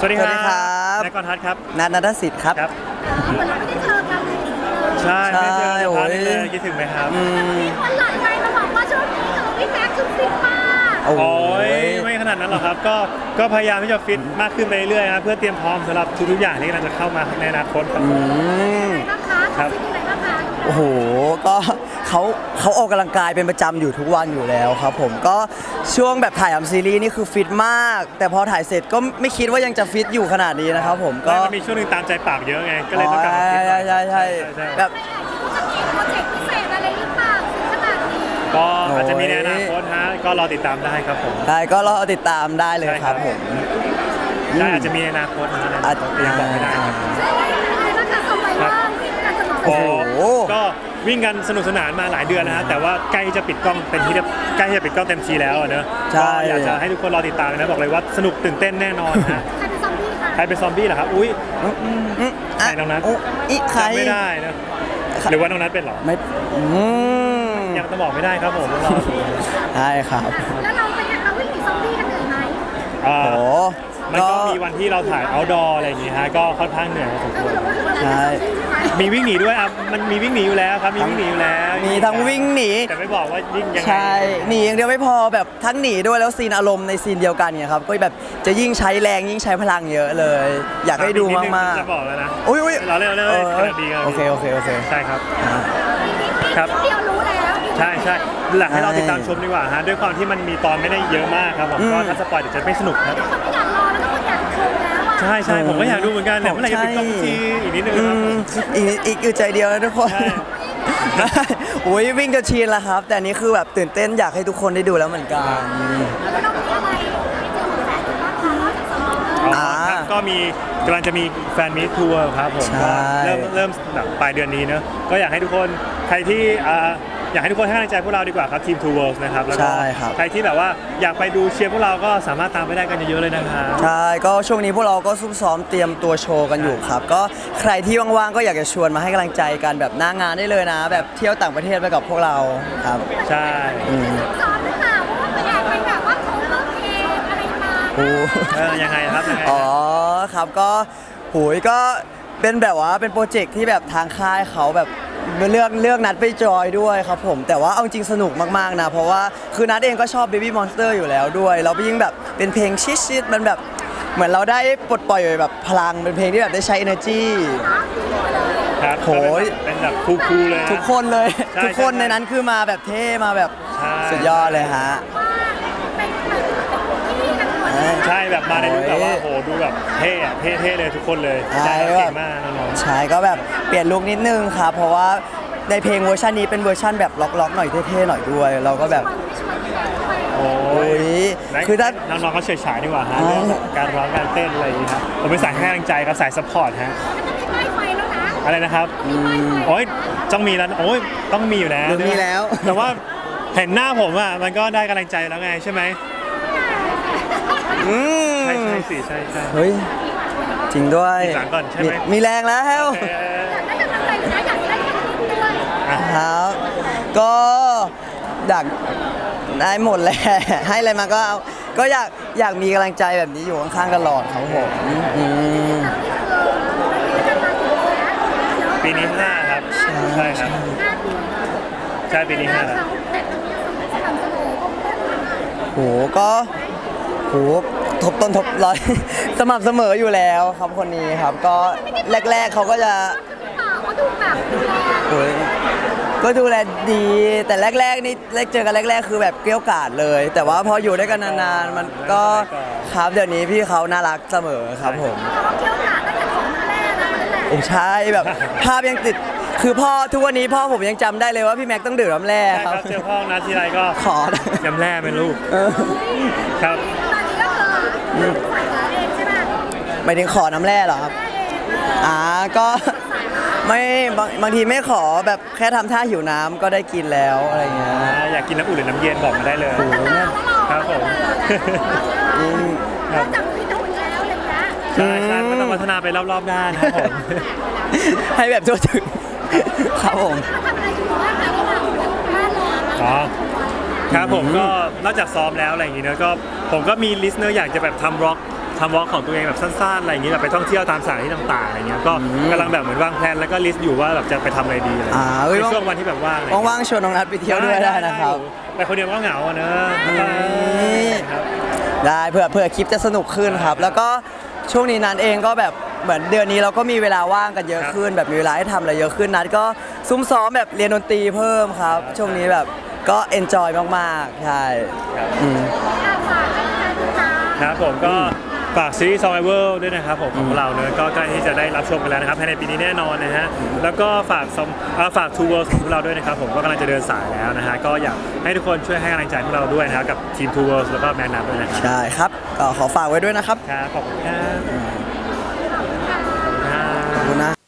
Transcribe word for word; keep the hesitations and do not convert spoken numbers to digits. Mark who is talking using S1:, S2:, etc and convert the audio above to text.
S1: วัสดีครับ
S2: สวัสดีครับ
S1: นายกรทัศน์ครับ
S2: นัทนัทสิทธิ์ครับ
S1: ครับ
S3: เหมือนเราไม่ได้เจอกันเลย
S1: ใช่ไม่เจอ
S2: ใช่
S1: พัก
S2: โอ้ย
S1: เลยคิดถึงไหมครับ
S2: อืม
S3: มีคนหลายใจมาบอกว่าช่วงนี้เจอพี่แม็กซ์คือฟิตมาก
S2: โอ้
S1: โอ้ย
S2: ย
S1: ไม่ขนาดนั้นหรอกครับก็ก็พยายามที่จะฟิตมากขึ้นไปเรื่อยๆครับเพื่อเตรียมพร้อมสำหรับทุกๆอย่างที่กำลังจะเข้ามาในอนาคตครับ
S2: อืม
S3: อะไรบ้างคะ
S1: ครับ
S3: ฟิตอะไรบ้างคะ
S2: โอ้โหก็เขาเขาออกกำลังกายเป็นประจำอยู่ทุกวันอยู่แล้วครับผมก็ช่วงแบบถ่ายทำซีรีส์นี่คือฟิตมาก แต่พอถ่ายเสร็จก็ไม่คิดว่ายังจะฟิตอยู่ขนาดนี้นะครับผม
S1: ก็
S2: ก็
S1: มันมีช่วงหนึงตามใจปากเยอะไงก็เลยต้องกลับมาฟิต
S2: ใช่ใช่ใช่
S1: ใช่
S2: แบบ
S3: จะเก็บโปรเจกต์พิเศษอะไรหรือเปล่าฟิตขนาดนี้
S1: ก็อาจจะมีในอนาคตฮะก็รอติดตามได้ครับผม
S2: ได้ก็รอติดตามได้เลย
S1: ใช่
S2: ค
S1: ครั
S2: รับบ ผม
S1: ใช่อาจจะมีในอนาคตนะ
S2: อาจ
S1: ยังบอกไม่ได้ครับ
S3: อะไรบ้างคะสมัยว่างฟิตกันตลอด
S2: โอ้โห
S1: ก็วิ่งกันสนุกสนานมาหลายเดือนนะฮะแต่ว่าใกล้จะปิดกล้องเป็นที่เรียบใกล้จะปิดกล้องเต็มทีแล้วอะเนอะ
S2: ใช่
S1: ก็อยากจะให้ทุกคนรอติดตามนะบอกเลยว่าสนุกตื่นเต้นแน่นอนฮะ
S3: ใครเป็นซอมบี้คะ
S1: ใครเป็นซอมบี้เหรอครับอุ้ย
S2: อืมอ่ะ
S1: ใครน้องนัท
S2: โอ้อีใคร
S1: จำไม่ได้นะหรือว่าน้องนัทเป็นเหรอ
S2: ไม่อืม
S1: ยังจะบอกไม่ได้ครับผมรอดู
S2: ใช่ครับ
S3: แล้วเราเป็นยังเราวิ่งหนีซอมบี้กันเหนื่อยไหม
S1: อ่า
S2: โอ้
S1: มันก็มีวันที่เราถ่าย outdoor อะไรอย่างงี้ฮะก็ค่อนข้างเหนื่อยพอสม
S3: เอ
S1: คว
S3: อ
S1: ร
S3: หรือว่าคืออะไรเป็นซอมบี้ใช่ไหม
S1: มีวิ่งหนีด้วยอ่ะมันมีวิ่งหนีอยู่แล้วครับมีวิ่งหนีอยู่แล้ว
S2: มีทั้งวิ่งหนี
S1: แต่ไม่บอกว่าวิ่งยังไง
S2: ใช่หนีอย่างเดียวไม่พอแบบทั้งหนีด้วยแล้วซีนอารมณ์ในซีนเดียวกันเนี่ยครับก็แบบจะยิ่งใช้แรงยิ่งใช้พลังเยอะเลย อยากให้ดูมาก
S1: จะบอกแล้วนะ
S2: ๆอุ้ยอุ้ย
S1: เราเล่นเราเล่น
S2: เอ
S1: เรา
S2: อ
S1: เล่นขนาดดีกัน
S2: โอเคโอเคโอเค
S1: ใช่ครับ
S2: อ่า
S1: ครับ
S3: เดียวรู้แล้ว
S1: ใช่ใช่หลักให้เราติดตามชมดีกว่าฮะด้วยความที่มันมีตอนไม่ได้เยอะมากครับผม
S2: อืม
S1: ก็ถ้าสปอยเดี๋ยวจะไม่สนุกครับ
S3: คนไม่อยากรอแล้วก็คนอยากชมแล้วอ่ะ
S1: ใช่ใช่ผมก็อยากดูเหมือนกันเนี่ยเมื่อไหร่จะปิดกล้องทีอีกนิดนึง
S2: อื
S1: ครับ
S2: มอีกอีกอยู่ใจเดียวนะทุกคน
S1: ใช่
S2: อุ้ยวิ่งจนชินแล้วครับ แต่อันนี้คือแบบตื่นเต้นอยากให้ทุกคนได้ดูแล้วเหมือนกัน
S3: แล้วเรามีอะไรให้เจอแฟนๆบ้างคะนอกจากสมอง
S1: อ๋อครับก็มีกำลังจะมีแฟนมิตทัวร์ครับผม
S2: ใช่
S1: ก็เริ่มเริ่มแบบปลายเดือนนี้เนอะก็อยากให้ทุกคนใครที่อ่าอยากให้ทุกคนให้กำลังใจพวกเราดีกว่าครับทีม Two Worlds นะครับแล้วก็
S2: ใช่ครับ
S1: ใครที่แบบว่าอยากไปดูเชียร์พวกเราก็สามารถตามไปได้กันเยอะๆเลยนะครับ
S2: ใช่ก็ช่วงนี้พวกเราก็ซุ่มซ้อมเตรียมตัวโชว์กันอยู่ครับ ก็ใครที่ว่างๆก็อยากจะชวนมาให้กำลังใจกันแบบหน้างานได้เลยนะ แบบเที่ยวต่างประเทศไปกับพวกเราครับ
S1: ใช่
S2: อืม
S3: ซ้อมหรือเปล่าเพราะว่าไปแอบไปแบบว่าโคเวอร์เพลงอะไรมา
S2: โอ้
S1: เออยังไงครับยังไง
S2: อ๋อครับก็หูยก็เป็นแบบว่าเป็นโปรเจกต์ที่แบบทางค่ายเขาแบบเลือกเลือกนัดไปจอยด้วยครับผมแต่ว่าเอาจริงสนุกมากๆนะเพราะว่าคือนัดเองก็ชอบ Baby Monster อยู่แล้วด้วยแล้วยิ่งแบบเป็นเพลงชิดๆมันแบบเหมือนเราได้ปลดปล่อยแบบพลังเป็นเพลงที่แบบได้ใช้ energy
S1: ครับ
S2: โหย
S1: เป็นแบบคูลๆเลยฮะ
S2: ทุกคนเลย
S1: ใช่
S2: ทุกคน
S1: ใช่
S2: ในนั้นคือมาแบบเท่มาแบบ
S1: ใช่
S2: สุดยอดเลยฮะ
S3: เป็นแบบที่กันหมดเลย
S1: ใช่แบบมาในลุคแบบว่า
S2: โอ้
S1: โห
S2: ย
S1: ดูแบบเท่อะเท่ๆเลยทุกคนเลย
S2: ใช่
S1: เก่
S2: แบบ
S1: งมากน้อง
S2: ใช่ก็แบบเปลี่ยนลุคนิดนึงครับเพราะว่าในเพลงเวอร์ชันนี้เป็นเวอร์ชันแบบล็อกๆหน่อยเท่ๆหน่อยด้วย เราก็แบบ
S3: ไม่ชวนพี่แม็กซ์ด้วย
S1: ๆโอ้
S2: โอ้
S1: ย
S2: ย
S1: ไหน
S2: คือถ้า
S1: น้องๆเขาเฉยฉายดีกว่าฮะ
S2: อ๋อ
S1: เรื่องการร้องการเต้นอะไรอย่างงี้ครับผมเป็นสายให้กำลังใจครับสายซัพพอร์ตฮะ
S3: มันจะมีป้ายไฟแล้วนะ
S1: อะไรนะครับโอ้ยต้องมีแล้วโอ้ยต้องมีอยู่แล้ว
S2: เดี๋ยวมีแล้ว
S1: แต่ว่าเห็นหน้าผมอ่ะมันก็ได้กำลังใจแล้วไงใช่ไหม
S2: อืม
S1: ใช่ใช่สิใช่ใช่
S2: เฮ้ยจริงด้วย
S1: มีหลังก่อนใช่ไหม
S2: มีแรงแล้ว
S1: เอ่อ
S3: อยากได้กำลังใจหรือนะอยากได้แค่นิดด้วย
S1: อ่ะ
S2: ครับก็อยากได้หมดแหละ ให้อะไรมาก็เอาก็อยากอยากมีกำลังใจแบบนี้อยู่ข้างๆตลอดครับผมอืม
S1: ปีนี้ห้าครับใช่ครับ ใช่ปีนี้ห้าแล้ว
S3: แต่ตรงนี้สม่ำเสมอ
S2: โหก็โหทบต้นทบร้อย สม่ำเสมออยู่แล้วครับคนนี้ครับ ก็แรก ๆเขาก็จะ
S3: เขาดูแบบดูแล
S2: โอ้ยก็ดูแลดีแต่แรกๆนี่แรกเจอกันแรก ๆ คือแบบเกรี้ยวกราดเลย แต่ว่าพออยู่ด้วยกันนานๆมันก็ครับเดี๋ยวนี้พี่เขาน่ารักเสมอครับผม
S3: เขาเที่ยวหนาตั้งแต่ของแรกแล้วนั่นแหละ
S2: โอ้ใช่แบบภาพยังติดคือพ่อทุกวันนี้พ่อผมยังจำได้เลยว่าพี่แม็กต้องดื่มน้ำแร่
S1: ใช่
S2: ค
S1: ค
S2: รั
S1: รั
S2: บบ
S1: เจอพ่อนัดทีไรก็
S2: ขอนะ
S1: ยำแร่เป็นลูก
S2: เออ
S1: ครับ
S3: ตอนนี้ก็คือใส่ขาเองใช่ไหม
S2: หมายถึงขอน้ำแร่เหรอครับอ่าก็ไม่บางบางทีไม่ขอแบบแค่ทำท่าหิวน้ำก็ได้กินแล้วอะไรเงี้ย
S1: อ่าอยากกินน้ำอุ่นหรือน้ำเย็นบอกมาได้เลย
S2: โอ้โหเนี่ย
S1: ครับผม
S2: อืม
S1: ครับ
S3: จับพี่ตุ่นแล้วอะไรเงี้ย
S1: ใช่ใช่ก็ต้องพัฒนาไปรอบๆด้านครับผม
S2: ให้แบบทั่วถึงครับผม
S3: ทำอะไรอยู่บ้างคะระหว่างบ้านเรา
S1: อ๋อครับผมก็นอกจากซ้อมแล้วอะไรอย่างงี้เนอะก็ผมก็มีลิสต์เนอร์อยากจะแบบทำร็อกทำวอล์กของตัวเองแบบสั้นๆอะไรอย่างเงี้ยแบบไปท่องเที่ยวตามสถานที่ต่างๆอะไรเงี้ยก็กำลังแบบเหมือนวางแผนแล้วก็ลิสต์อยู่ว่าแบบจะไปทำอะไรดีอะไร
S2: อ่าเอ้ย
S1: ในช่วงวันที่แบบว่างอะไรเงี้ย
S2: ว่างๆชวนน้องนัทไปเที่ยวด้วยได้นะครับ
S1: ไปคนเดียวก็เหงาอะเนอะ ครับ
S2: ได้เผื่อเผื่อคลิปจะสนุกขึ้นครับ แล้วก็ช่วงนี้นัทเองก็แบบเหมือนเดือนนี้เราก็มีเวลาว่างกันเยอะขึ้น แบบมีเวลาให้ทำอะไรเยอะขึ้นนัทก็ซุ่มซ้อมแบบเรียนดนตรีเพิ่มครับ ช่วงนี้แบบก็เอนจอยมากๆใช่อืม
S3: อาฝากให้แฟนติดตาม
S1: ครับผมก็ฝากซีรีส์ Survival ด้วยนะครับผมของเราเนอะก็ใกล้ที่จะได้รับชมกันแล้วนะครับภายในปีนี้แน่นอนนะฮะแล้วก็ฝากซอมเอ่อฝาก Two Worlds ของพวกเราด้วยนะครับผมก็กำลังจะเดินสายแล้วนะฮะก็อยากให้ทุกคนช่วยให้กำลังใจพวกเราด้วยนะครับกับทีม Two Worlds แล้วก็แมนนัทด้วยนะครับ
S2: ใช่ครับก็ขอฝากไว้ด้วยนะครับ
S1: ครับขอบคุณครับ
S2: ขอบคุณนะ